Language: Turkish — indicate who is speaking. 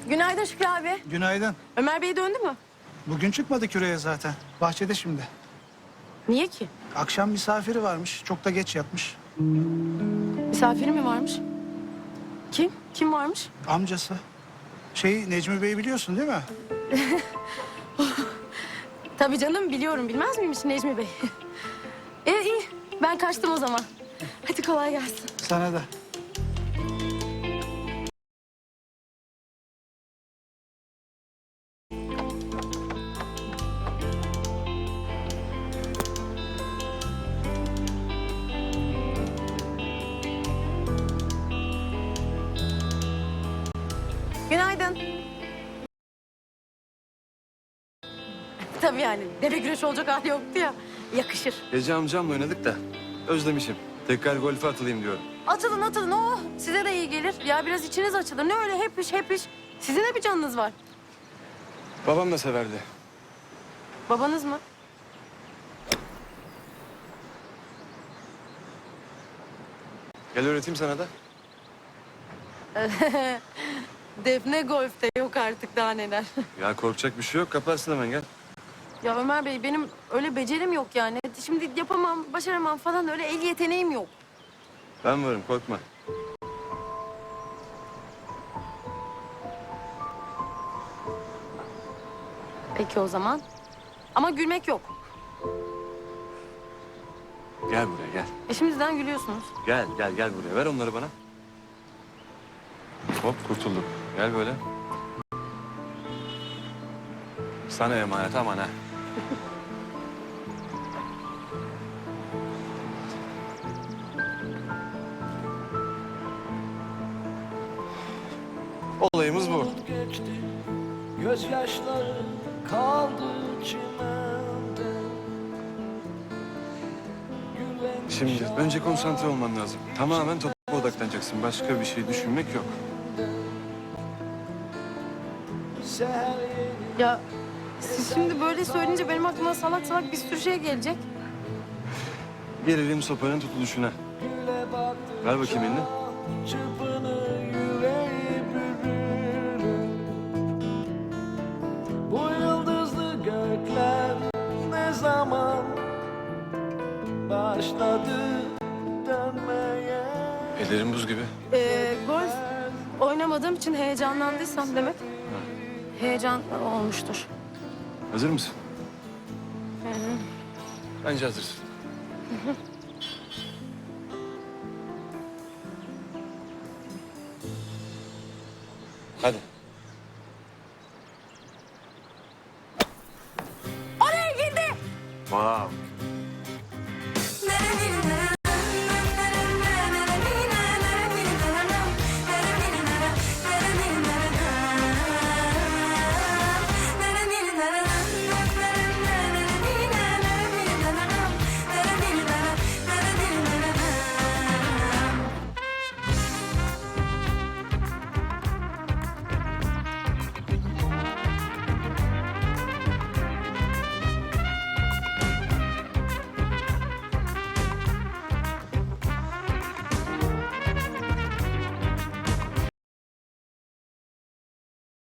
Speaker 1: Günaydın Şükrü abi.
Speaker 2: Günaydın.
Speaker 1: Ömer Bey döndü mü?
Speaker 2: Bugün çıkmadı küreye zaten. Bahçede şimdi.
Speaker 1: Niye ki?
Speaker 2: Akşam misafiri varmış. Çok da geç yatmış.
Speaker 1: Misafiri mi varmış? Kim? Kim varmış?
Speaker 2: Amcası. Necmi Bey'i biliyorsun değil mi?
Speaker 1: Tabii canım biliyorum. Bilmez miymiş Necmi Bey? İyi. Ben kaçtım o zaman. Hadi kolay gelsin.
Speaker 2: Sana da.
Speaker 1: Günaydın. Tabii yani. Deve güreşi olacak hali yoktu ya. Yakışır.
Speaker 3: Gece amcamla oynadık da özlemişim. Tekrar golfe atılayım diyorum.
Speaker 1: Atılın. Oh, size de iyi gelir. Ya biraz içiniz açılır. Ne öyle hep iş. Sizin de bir canınız var.
Speaker 3: Babam da severdi.
Speaker 1: Babanız mı?
Speaker 3: Gel öğreteyim sana da.
Speaker 1: Defne golfte yok artık daha neler.
Speaker 3: Ya korkacak bir şey yok. Kaparsın hemen gel.
Speaker 1: Ya Ömer Bey benim öyle becerim yok yani. Şimdi yapamam, başaramam falan öyle el yeteneğim yok.
Speaker 3: Ben varım korkma.
Speaker 1: Peki o zaman. Ama gülmek yok.
Speaker 3: Gel buraya gel.
Speaker 1: Şimdiden gülüyorsunuz.
Speaker 3: Gel buraya. Ver onları bana. Hop kurtulduk. Gel böyle. Sana emanet aman ha. Olayımız bu.
Speaker 4: Geçti, gözyaşları kaldı çimende. Gülen
Speaker 3: Şimdi önce konsantre olman lazım. Tamamen topa odaklanacaksın. Başka bir şey düşünmek yok.
Speaker 4: seher yeni
Speaker 1: Ya siz şimdi böyle söyleyince benim aklıma salak bir sürü şey gelecek.
Speaker 3: Gelelim sopanın tutuluşuna.
Speaker 4: güle battı.
Speaker 3: Ver bakayım elini.
Speaker 4: Çırpını yüreği bürür. Bu yıldızlı gökler ne zaman başladı dönmeye?
Speaker 3: Ellerim buz gibi.
Speaker 1: Golf oynamadığım için heyecanlandıysam demek heyecan olmuştur.
Speaker 3: Hazır mısın? Bence hazırsın. Hadi.
Speaker 1: Oraya girdi.
Speaker 3: Wow.